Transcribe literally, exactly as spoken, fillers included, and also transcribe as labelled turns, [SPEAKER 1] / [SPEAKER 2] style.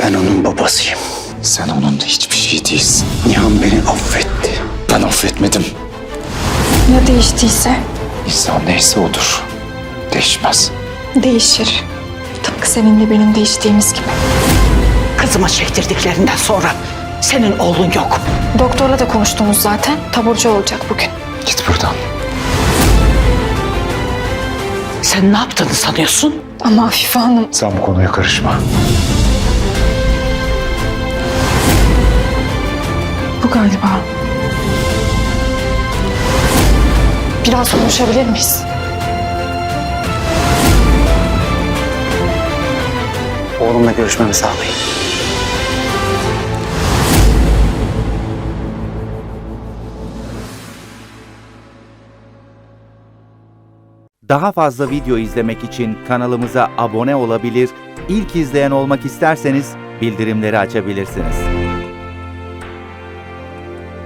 [SPEAKER 1] Ben onun babasıyım.
[SPEAKER 2] Sen onun hiçbir şey değilsin.
[SPEAKER 1] Nihan beni affetti.
[SPEAKER 2] Ben affetmedim.
[SPEAKER 3] Ya değiştiyse?
[SPEAKER 2] İnsan neyse odur. Değişmez.
[SPEAKER 3] Değişir. Tıpkı seninle benim değiştiğimiz gibi.
[SPEAKER 4] Kızıma çektirdiklerinden sonra senin oğlun yok.
[SPEAKER 3] Doktorla da konuştunuz zaten. Taburcu olacak bugün.
[SPEAKER 2] Git buradan.
[SPEAKER 4] Sen ne yaptığını sanıyorsun?
[SPEAKER 3] Ama Afife Hanım...
[SPEAKER 2] Sen bu konuya karışma.
[SPEAKER 3] Bu galiba. Biraz konuşabilir miyiz?
[SPEAKER 1] Oğlumla görüşmemi sağlayın.
[SPEAKER 5] Daha fazla video izlemek için kanalımıza abone olabilir, ilk izleyen olmak isterseniz bildirimleri açabilirsiniz.